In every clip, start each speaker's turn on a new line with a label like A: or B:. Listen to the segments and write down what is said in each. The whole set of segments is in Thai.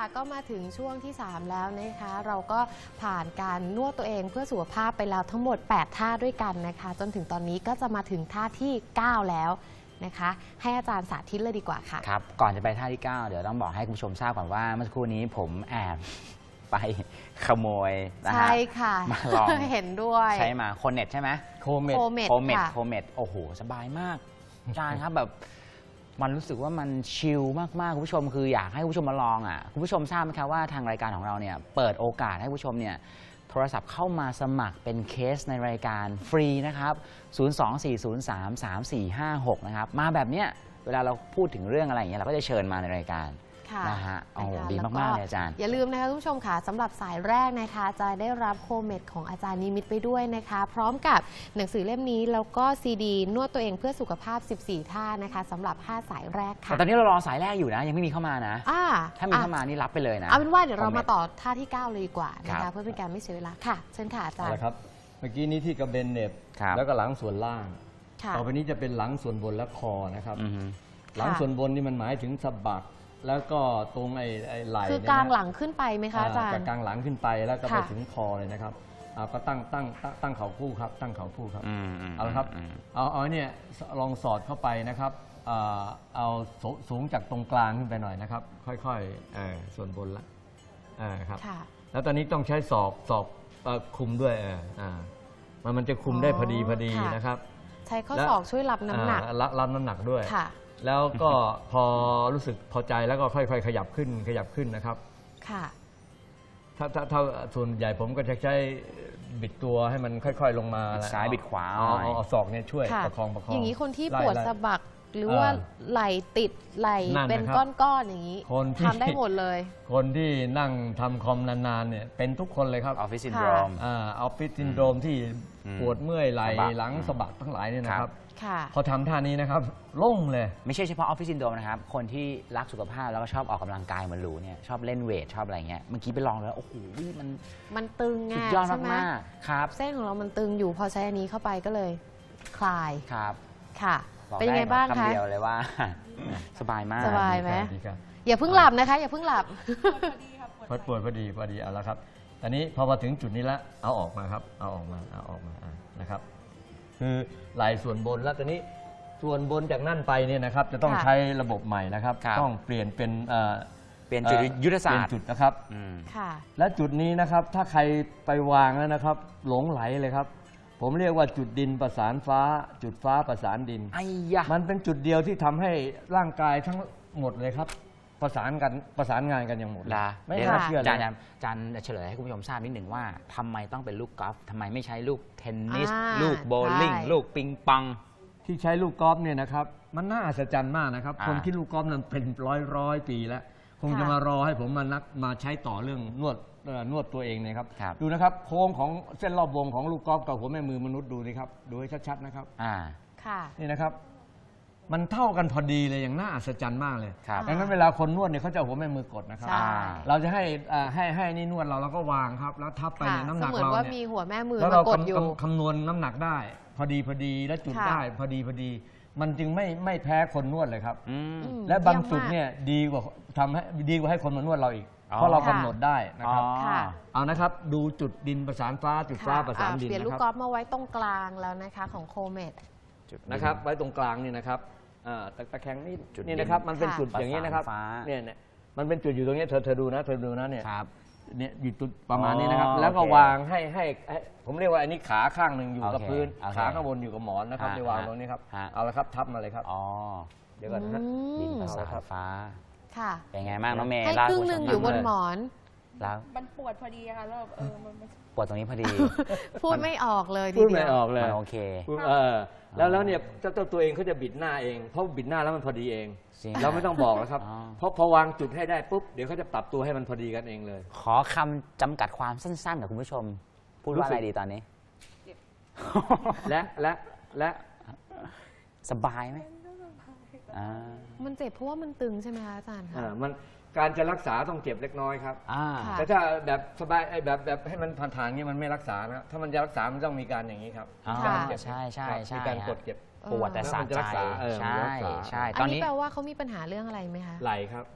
A: ก็มาถึงช่วงที่ 3 แล้วนะคะเราก็ผ่านการนวดตัวเองเพื่อสุขภาพไปแล้วทั้งหมด 8 ท่าด้วยกันนะคะจนถึงตอนนี้ก็จะมาถึงท่าที่ 9 แล้วนะคะให้อาจารย์สาธิตเลยดีกว่าค่ะ
B: ครับก่อนจะไปท่าที่ 9 เดี๋ยวต้องบอกให้คุณผู้ชมทราบก่อนว่าเมื่อสักครู่นี้ผมแอบไปขโมยนะฮะ
A: ใช่ค่ะ
B: มาลอง
A: เห็นด้วย
B: ใช้มาโคเน็ตใช่ไหม
A: โคเม็ด
B: โอ้โหสบายมากอาจารย์ครับแบบมันรู้สึกว่ามันชิลมากๆคุณผู้ชมคืออยากให้คุณผู้ชมมาลองอ่ะคุณผู้ชมทราบไหมครับว่าทางรายการของเราเนี่ยเปิดโอกาสให้คุณผู้ชมเนี่ยโทรศัพท์เข้ามาสมัครเป็นเคสในรายการฟรีนะครับ024033456นะครับมาแบบเนี้ยเวลาเราพูดถึงเรื่องอะไรอย่างเงี้ยเราก็จะเชิญมาในรายการนะฮะโอ้ดีมากๆเลยอาจารย์
A: อย่าลืมนะคะทุกผู้ชมค่ะสำหรับสายแรกนะคะจะได้รับโคเม็ดของอาจารย์นิมิตไปด้วยนะคะพร้อมกับหนังสือเล่มนี้แล้วก็ซีดีนวดตัวเองเพื่อสุขภาพ14ท่านะคะสำหรับ5สายแรกค่ะ
B: แต่ตอนนี้เรารอสายแรกอยู่นะยังไม่มีเข้ามานะถ้ามีเข้ามานี่รับไปเลยนะ
A: เอาเป็นว่าเดี๋ยวเรามาต่อท่าที่9เลยดีกว่านะคะเพื่อเป็นการไม่เสียเวลาค่ะเชิญค่ะอาจารย์
C: ครับเมื่อกี้นี้ที่กระเบนเน็บแล้วก็หลังส่วนล่างต่อไปนี้จะเป็นหลังส่วนบนและคอนะครับหลังส่วนบนนี่มันหมายถึงสะบักแล้วก็ตรงไอ้ไหล่
A: คือกลางหลังขึ้นไปไหมคะอาจารย์
C: กลางหลังขึ้นไปแล้วก็ไปถึงคอเลยนะครับก็ตั้งเข่าคู่ครับตั้งเข่าคู่ครับเอาละครับเอาเนี่ยลองสอดเข้าไปนะครับเอาสูงจากตรงกลางขึ้นไปหน่อยนะครับค่อยๆส่วนบนละครับแล้วตอนนี้ต้องใช้ศอกคุมด้วยมันจะคุมได้พอดีนะครับ
A: ใช้ข้อศอกช่วยรับน้ำหนัก
C: รับน้ำหนักด้วยแล้วก็พอรู้สึกพอใจแล้วก็ค่อยๆขยับขึ้นนะครับ
A: ค่ะ
C: ถ้าส่วนใหญ่ผมก็จะใช้บิดตัวให้มันค่อยๆลงมา
B: ซ้ายบิดขวา
C: เอาศอกเนี่ยช่วยประคอง
A: อย่างนี้คนที่ปวดสะบักหรือว่าไหล่ติดไหล่เป็นก้อนๆอย่างนี้ทำได้หมดเลย
C: คนที่นั่งทำคอมนานๆเนี่ยเป็นทุกคนเลยครับ
B: ออฟฟิศซินโดรม
C: ที่ปวดเมื่อยไหล่หลังสะบักทั้งหลายเนี่ยนะครับพอทำท่านี้นะครับโล่งเลย
B: ไม่ใช่เฉพาะออฟฟิศซินโดรมนะครับคนที่รักสุขภาพแล้วก็ชอบออกกำลังกายเหมือนหรูเนี่ยชอบเล่นเวทชอบอะไรเงี้ยเมื่อกี้ไปลองแล้วโอ้โห
A: มันตึง
B: สุดยอดมากๆครับ
A: เส้นของเรามันตึงอยู่พอใช้อันนี้เข้าไปก็เลยคลาย
B: ครับ
A: ค่ะเป็นยังไงบ้างคะ
B: คำเดียวเลยว่าสบายมาก
A: สบายไหมอย่าเพิ่งหลับนะคะอย่าเพิ่งหลับ
C: ปวดพอดีเอาละครับตอนนี้พอมาถึงจุดนี้แล้วเอาออกมาครับเอาออกมานะครับคือไหล่ส่วนบนแล้วตอนนี้ส่วนบนจากนั่นไปเนี่ยนะครับจะต้องใช้ระบบใหม่นะครับต้องเปลี่ยนเป็น
B: จุดยุทธศาสตร์
C: จุดนะครับและจุดนี้นะครับถ้าใครไปวางแล้วนะครับหลงไหลเลยครับผมเรียกว่าจุดดินประสานฟ้าจุดฟ้าประสานดินมันเป็นจุดเดียวที่ทำให้ร่างกายทั้งหมดเลยครับประสานงานกันอย่างหมด
B: ไม่น่าเชื่อเลยอาจารย์เฉลยให้คุณผู้ชมทราบนิดหนึ่งว่าทำไมต้องเป็นลูกกอล์ฟทำไมไม่ใช้ลูกเทนนิสลูกโบว์ลิ่งลูกปิงปอง
C: ที่ใช้ลูกกอล์ฟเนี่ยนะครับมันน่าอัศจรรย์มากนะครับคนที่ลูกกอล์ฟนั้นเป็นร้อยปีแล้วคงจะมารอให้ผมมาใช้ต่อเรื่องนวดตัวเองนะครับดูนะครับโค้งของเส้นรอบวงของลูกกอล์ฟกับหัวแม่มือมนุษย์ดูนี่ครับดูให้ชัดๆนะครับนี่นะครับมันเท่ากันพอดีเลยอย่างน่าอัศจรรย์มากเลยดังนั้นเวลาคนนวดเนี่ยเขาจะหัวแม่มือกดนะครับเราจะให้นี่นวดเราก็วางครับแล้วทับไปน้ำหนักเรา
A: เนี่ยมีหัวแม่มือ
C: แล้วเราคำนวณน้ำหนักได้พอดีและจุดได้พอดีมันจึงไม่แพ้คนนวดเลยครับและบางจุดเนี่ยดีกว่าให้คนมานวดเราอีกเพราะเรากำหนดได้นะครับเอานะครับดูจุดดินประสานฟ้าจุดฟ้าประสานดิน
A: เปลี่ยนลูกกอล์ฟมาไว้ตรงกลางแล้วนะคะของโคเม็ด
C: นะครับไว้ตรงกลางนี่นะครับตะแคงนี่นะครับมันเป็นจุดอย่างนี้นะครับเนี่ยมันเป็นจุดอยู่ตรงนี้เธอดูนะเนี่ยอยู่จุดประมาณนี้นะครับแล้วก็วางให้ผมเรียกว่าอันนี้ขาข้างหนึ่งอยู่กับพื้นขาข้างบนอยู่กับหมอนนะครับในวางตรงนี้ครับเอาละครับทับมาเลยครับเดี๋ยวก่อนนะ
B: ดินประสานฟ้า
A: ค่ะ
B: เป็นไงบ้างน้องเมย์
A: ให้ครึ่งหนึ่งอยู่บนหมอน
D: แล้วมันปวดพอดีค่ะแล้วมัน
B: ปวดตรงนี้พอดี
A: พูดไม่ออกเลย
C: พูดไม่ออกเลย
B: โอเค
C: แล้วเนี่ยเจ้าตัวเองเขาจะบิดหน้าเองเพราะบิดหน้าแล้วมันพอดีเองเราไม่ต้องบอกแล้วครับเพราะพอวางจุดให้ได้ปุ๊บเดี๋ยวเขาจะปรับตัวให้มันพอดีกันเองเลย
B: ขอคำจำกัดความสั้นๆกับคุณผู้ชมพูดว่าอะไรดีตอนนี้
C: และ
B: สบายไหม
A: มันเจ็บเพราะว่ามันตึงใช่ไหมคะอาจารย์คะ
C: มันการจะรักษาต้องเจ็บเล็กน้อยครับแต่ถ้าแบบสบายแบบให้มันผ่านๆนี้มันไม่รักษานะถ้ามันจะรักษามันต้องมีการอย่างนี้ครับ
B: ใช่
C: มีการกดเจ็บ
B: ปวดแต่สะใจใช่
A: ตอนนี้แปลว่าเขามีปัญหาเรื่องอะไรไหมคะ
C: ไหล่ครับ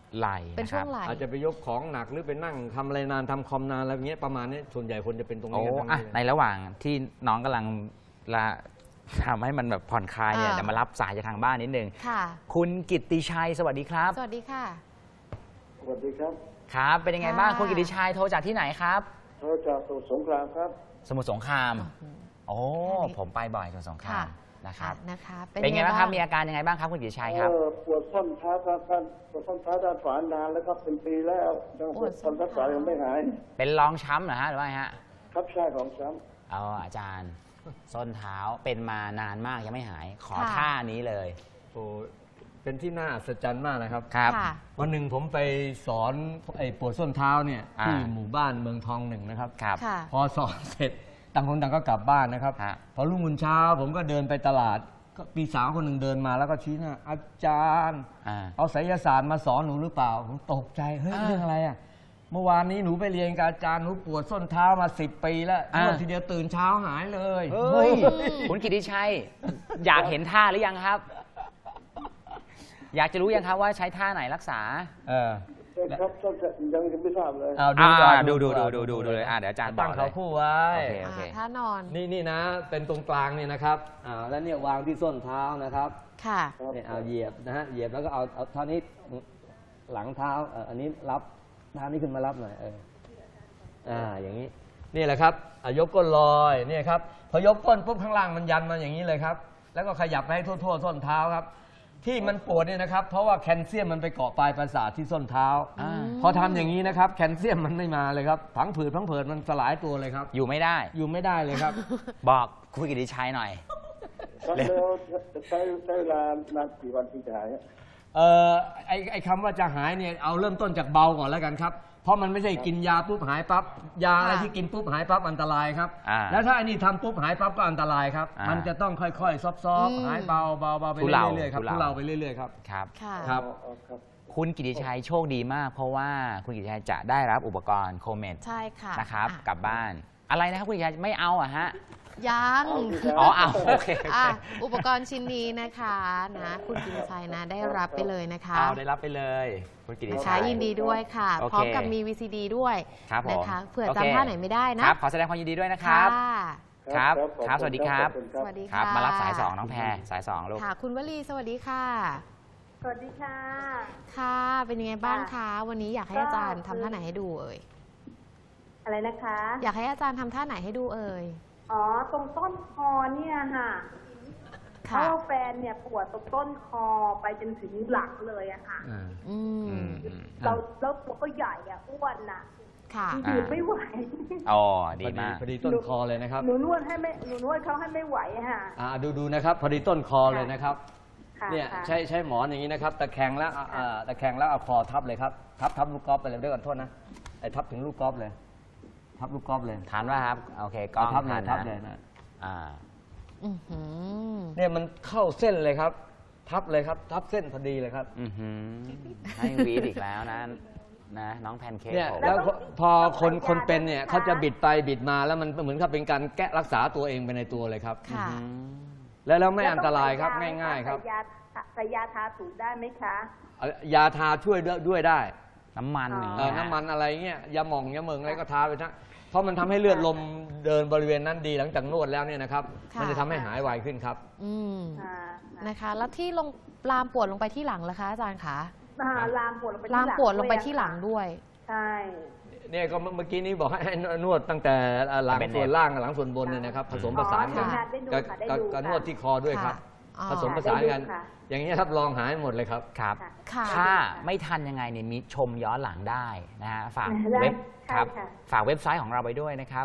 B: ไหล่
A: เป็น
B: นะค
A: ช่ว
B: รับ
A: งไหล่
C: อาจจะไปยกของหนักหรือไปนั่งทำอะไรนานทำคอมนานอะไรอย่างเงี้ยประมาณนี้ส่วนใหญ่คนจะเป็นตรง
B: โอ้
C: นี้กันทั้ง
B: อะ
C: นั้นเลย
B: ในระหว่างที่น้องกำลังละทำให้มันแบบผ่อนคลายเนี่ย
A: อ่า
B: เดี๋ยวมารับสายจากทางบ้านนิดนึง
A: ค่ะ
B: คุณกิตติชัยสวัสดีครับ
A: สวัสดีค่ะ
E: สวัสดีครับ
B: ครับ เป็นยังไงบ้าง
A: ค่ะ
B: คุณกิตติชัยโทรจากที่ไหนครับ
E: โทรจากสมุทรสงครามครับ
B: สมุทรสงคราม โอ้
A: ค่ะ
B: ผมไปบ่อยสมุทรสงครามนะครับ
A: นะคะ
B: เป็นไงบ้างครับ มีอาการยังไงบ้างครับคุณกิตติชัยครับ
E: ปวดส้นเท้าครับปวดส้นเท้าด้านขวานานแล้วครับเป็นปีแล้วยังปวดส้นรักษายังไม่หาย
B: เป็นรองช้ำเหรอฮะหรือว่าไงฮะ
E: ครับใช่ของซ้
B: เอาอาจารย์ส้นเท้าเป็นมานานมากยังไม่หาย ขอ
A: ค่ะ
B: ท่านี้เลย
C: โอ้เป็นที่น่าอัศจรรย์มากนะครับ
B: ครับ
A: ค่ะ
C: วันหนึ่งผมไปสอนไอ้ปวดส้นเท้าเนี่ย
B: อ่า
C: ที่หมู่บ้านเมืองทองหนึ่งนะครับ
B: ครับ
A: ค่ะ
C: พอสอนเสร็จต่างคนต่างก็กลับบ้านนะครับ
B: ฮะ
C: พอรุ่งขึ้นเช้าผมก็เดินไปตลาดก็มีสาวคนหนึ่งเดินมาแล้วก็ชี้หน้าอาจารย์
B: อ่า
C: เอาไสยศาสตร์มาสอนหนูหรือเปล่าผมตกใจเฮ้ย
B: อ่า
C: เรื่องอะไรอ่ะเมื่อวานนี้หนูไปเรียนกับอาจารย์หนูปวดส้นเท้ามา10 ปีแล้ว
B: อ่า
C: นวดทีเดียวตื่นเช้าหายเลย
B: เฮ้ย คุณกิติชัย อยากเห็นท่าหรือยังครับ อยากจะรู้ยังครับว่าใช้ท่าไหนรักษา
C: เออ
E: ำครับยังไม่ทราบเลย
C: เอา
B: อ่า
C: ก่อน
B: ดู
C: ก่อน
B: เลยเดี๋ยวอาจารย์บอ
C: ตั้
B: ก
C: ง
B: เล
C: เขา
B: ย
C: คู่ไว้
B: โอเค
A: ท่านอน
C: นี่นะเป็นตรงกลางเนี่ยนะครับแล้วเนี่ยวางที่ส้นเท้านะครับ
A: ค่ะ
C: เนี่ยเอาเหยียบนะฮะเหยียบแล้วก็เอาเท่านี้หลังเท้าอันนี้รับเท้านี้ขึ้นมารับหน่อยอย่างนี้นี่แหละครับยกก้นลอยเนี่ยครับพอยกก้นปุ๊บข้างล่างมันยันมาอย่างนี้เลยครับแล้วก็ขยับไปให้ทั่วส้นเท้าครับที่มันปวดเนี่ยนะครับเพราะว่าแคลเซียมมันไปเกาะปลายประสาทที่ส้นเท้า
B: อ่า
C: พอทำอย่างนี้นะครับแคลเซียมมันไม่มาเลยครับผังผืดมันสลายตัวเลยครับ
B: อยู่ไม่ได้
C: อยู่ไม่ได้เลยครับ
B: บอกคุณกิติชัยหน่อย
E: ครับแล้วใช้เวลานานกี่วันถึงจะหาย
C: ไอ้คำว่าจะหายเนี่ยเอาเริ่มต้นจากเบาก่อนแล้วกันครับเพราะมันไม่ใช่กินยาปุ๊บหายปั๊บยาอะไรที่กินปุ๊บหายปั๊บอันตรายครับ
B: อ่า
C: แล้วถ้าอันนี้ทำปุ๊บหายปั๊บก็อันตรายครับ
B: อ่ามั
C: มันจะต้องค่อยๆซอฟๆหายเบาไป
B: ทุเลา
C: เรื่อยๆครับ
B: ทุ
C: ทุ
B: เลา
C: เราไปเรื่อยๆครับ
B: ครับ
A: ค่ะ
C: ครับ
E: ครับ
B: คุณกิติชัยโชคดีมาก เพราะว่าคุณกิติชัยจะได้รับอุปกรณ์โคเมด
A: ใช่ค่ะ
B: นะครับ
A: อ่ะ
B: กลับบ้าน อะไรนะครับคุณกิติชัยไม่เอาอะฮะ
A: ยัง
B: อ๋อเอาโอเคโอ
A: อ่ะ
B: เค
A: อุปกรณ์ชิ้นนี้นะคะนะคุณกิติชัยนะได้รับไปเลยนะคะ
B: เอาได้รับไปเลย คุณกิติ
A: นะ
B: ชั
A: คะ
B: ย
A: ยินดีด้วยค่ะ
B: โอเค
A: พร้อมกับมี VCD ด้วย
B: ครับผม
A: นะคะเผื่อ
B: โอเค
A: จำท่าไหนไม่ได้นะครับ
B: ขอแสดงความยินดีด้วยนะครับ
A: ค่ะ
B: ครับ
E: ขอณ
B: ครับสวัสดีครับ
E: ขอณ
A: สวัสดี
B: ครับ
A: ค่ะ
B: มารับสายสองน้องแพรสายสองลูก
A: ค่ะ คุณวลีสวัสดีค่ะ
D: สวัสดีค่ะ
A: ค่ะ เป็นยังไงบ้างคะ วันนี้อยากให้อาจารย์ทำท่าไหนให้ดูเอ่ย
D: อะไรนะคะ
A: อยากให้อาจารย์ทำท่าไหนให้ดูเอ่ย
D: อ๋อ ตรงต้นคอเนี่ยค่ะเพ
A: ค่ะ
D: ราะว่าแฟนเนี่ยปวดตรงต้นคอไปจนถึงหลังเลยอะค่ะ
A: อื
B: อื
A: ม
B: มอืม
D: แล้วตัวก็ใหญ่อะอ้วนน่ะ
A: ค่ะ
D: ยืนไม่ไหว
B: อ๋อดีมาก
C: พอดีต้นคอเลยนะครับ
D: หนูนวดเขาให้ไม่ไหวอะค่ะ
C: ดูนะครับพอดีต้นคอเลยนะครับ
D: ค่ะ
C: เนี่ย
D: ค่ะ
C: ใช้หมอนอย่างนี้นะครับตะแคงแล้วตะแคงแล้วเอาคอทับเลยครับทับลูกกอล์ฟไปเลยด้วยกันโทษนะไอ้ทับถึงลูกกอล์ฟเลยทับลูกกอล์ฟเลย
B: ทานว่าครับ โอเคกล้อง
C: ทับเล
B: ทาย น
C: ทับ
B: นะ
C: เลยนะ
B: อ่า
A: อื้อหือ
C: เนี่ยมันเข้าเส้นเลยครับ ทับเลยครับ ทับเส้นพอดีเลยครับ
B: อือหือให้วีดอีกแล้วนะน้องแพนเค้ก
C: เนี่ย
B: ผม
C: แล้วพอคนเป็นเนี่ย
D: นะคะ
C: เขาจะบิดไปบิดมาแล้วมันเหมือนกับเป็นการแก้รักษาตัวเองไปในตัวเลยครับ
A: ค่ะ
B: อืม
C: แล้วไม่อันตรายครับง่ายๆครับ
D: ใส่ยาทาถูได้ไหมคะ
C: ยาทาช่วยด้วยได้
B: น้ำมัน
D: อ๋อ
B: อย่าง
C: เอ
B: เงี้
C: อย น้ำมันอะไรเงี้ยยาหม่องยาเมืองอะไรก็ทาไปนะเพราะมันทำให้เลือดลมเดินบริเวณนั้นดีหลังจากนวดแล้วเนี่ยนะครับ
A: ค่ะ
C: มันจะทำให้หายไวขึ้นครับ
A: อืม
D: อ่า
A: นะคะ แล้วที่ลามปวดลงไปที่หลังล่ะคะอาจารย์คะ
D: ลามปวดลงไปที่
A: ลามปวดลงไป
D: อะ
A: ที่หลังด้วย
D: ใช่
C: เนี่ยก็เมื่อกี้นี้บอกให้นวดตั้งแต่หลังส่วนล่างกับหลังส่วนบนเนี่ยนะครับผสมผสานกัน
A: ค่ะ
D: ได้ดู
C: กับ
D: ค่ะได้
C: กับ
D: ดู
C: กับน
D: ค่ะ
C: วดที่คอด้วยครับ
A: ค่ะ
C: ผสมผสานกัน
D: ได้ดูค่ะ
C: อย่างนี้ยรับรองหายหมดเลยครับ
B: ครับ
A: ค่ะ
B: ถ้าไม่ทันยังไงเนี่ยมีชมย้อนหลังได้นะฮะฝาก
D: ได้
B: เว็บ
D: ใช่
B: ครับ
D: ค่ะ
B: ฝากเว็บไซต์ของเราไปด้วยนะครับ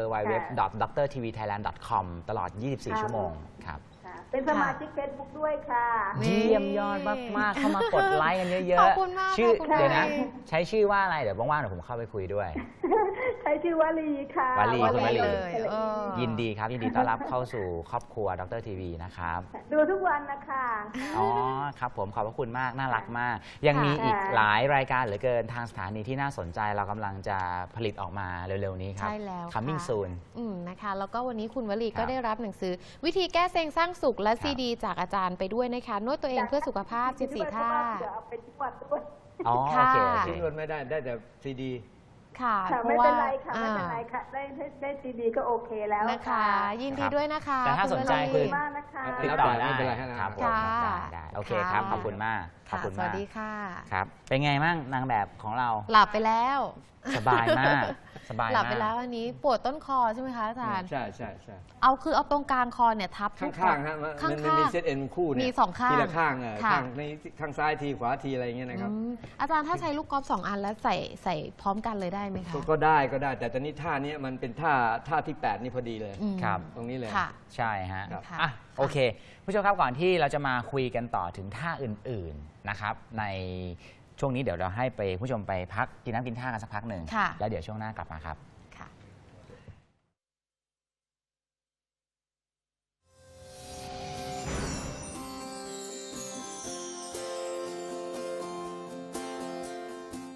B: www.drtvthailand.com ตลอด 24 ชั่วโมงครับ
D: ค่ะ เป็นสมาชิกเฟซบุ๊กด้วยค่ะ
A: นี่
B: เยี่ยมยอดมาก ๆ เข้ามากดไลค์กันเยอะ
A: ขอบคุณมาก
B: ชื่อ
A: ขอบคุณ
B: เดี๋ยวนะ
A: ค่ะ
B: ใช้ชื่อว่าอะไร เดี๋ยวว่างๆเดี๋ยวผมเข้าไปคุยด้วย
D: ใช้ชื่อวลีค่ะ
B: วลีคุณวลี
A: เลยเออ
B: ยินดีครับ ยินดีต้อนรับเข้าสู่ครอบครัวดรทีวีนะครับ
D: ดูทุกวันนะคะ
B: อ๋อครับผมขอบพระคุณมาก น่ารักมาก ยังมีอีกหลายรายการเหลือเกินทางสถานีที่น่าสนใจเรากำลังจะผลิตออกมาเร็ว ๆ นี้ครับ
A: ใช่แล้ว
B: coming
A: ค่ะ
B: soon
A: นะคะ แล้วก็วันนี้คุณวลี
B: ครั
A: ก็
B: บ
A: ได้รับหนังสือ วิธีแก้เซ็งสร้างสุขและ
B: ครับ
A: ซีดีจากอาจารย์ไปด้วยนะคะ นวดตัวเองเพื่อสุขภาพ 14 ท่า
D: เดี๋ยวเอาไปนวดด้วย
B: อ๋อโอ
A: ค่ะ
B: เคโอเค
C: นวดไม่ได้ได้แต่ซีดี
A: ค่ะ
D: ค่ะ
A: เพ
D: ไม่
A: ราะว่า
D: เป็นไรค่ะไม่เป็นไรค่ะได้ซีดีก็โอเคแล้ว
A: นะคะ ยินดี
B: ครับ
A: ด้วยนะคะ
B: แต่ถ้า
A: คุณ
B: สนใจ
A: วลี
B: คือ
D: มากนะคะ
B: ติดต่อได้
C: ไม่เป็นไรฮะ
B: ครับผม
A: ค่ะ
B: ได้โอเคครับ
A: ค่ะ
B: ขอบคุณมากขอบ
A: ค่ะ
B: คุณ
A: ส
B: มา
A: วั
B: ก
A: สดีค่ะ
B: ครับ เป็นไงมั่งนางแบบของเรา
A: หลับไปแล้ว
B: สบายมากสบายมาก
A: หลับไปแล้วอันนี้ปวดต้นคอใช่ไหมคะอาจารย์
C: ใช่ใช่ใช่
A: เอาตรงกลางคอเนี่ยทับ
C: ข้างๆฮะมัน
A: ข้าง
C: มันมี
A: ๆ
C: เซตเอ็นคู่เนี่ย
A: มีสองข้าง
C: ทีละข้าง
A: ค่ะ
C: ข้างในข้างซ้ายทีขวาทีอะไรอย่างเงี้ยนะครับ
A: อาจารย์ถ้าใช้ลูกกอล์ฟ2 อันแล้วใส่พร้อมกันเลยได้ไหมคะ
C: ก็ได้แต่ตอนนี้ท่านี้มันเป็นท่าที่ 8 นี่พอดีเลย
A: อืม
B: ครับ
C: ตรงนี้เลย
A: ค่ะ
B: ใช่ฮะ
C: ครับ
A: ค่ะ
B: อ่ะโอเค ผู้ชมครับก่อนที่เราจะมาคุยกันต่อถึงท่าอื่นๆนะครับ ในช่วงนี้เดี๋ยวเราให้ไปผู้ชมไปพักกินน้ำกินท่ากันสักพักหนึ่ง
A: ค่ะ
B: แล้วเดี๋ยวช่วงหน้ากลับมาครับ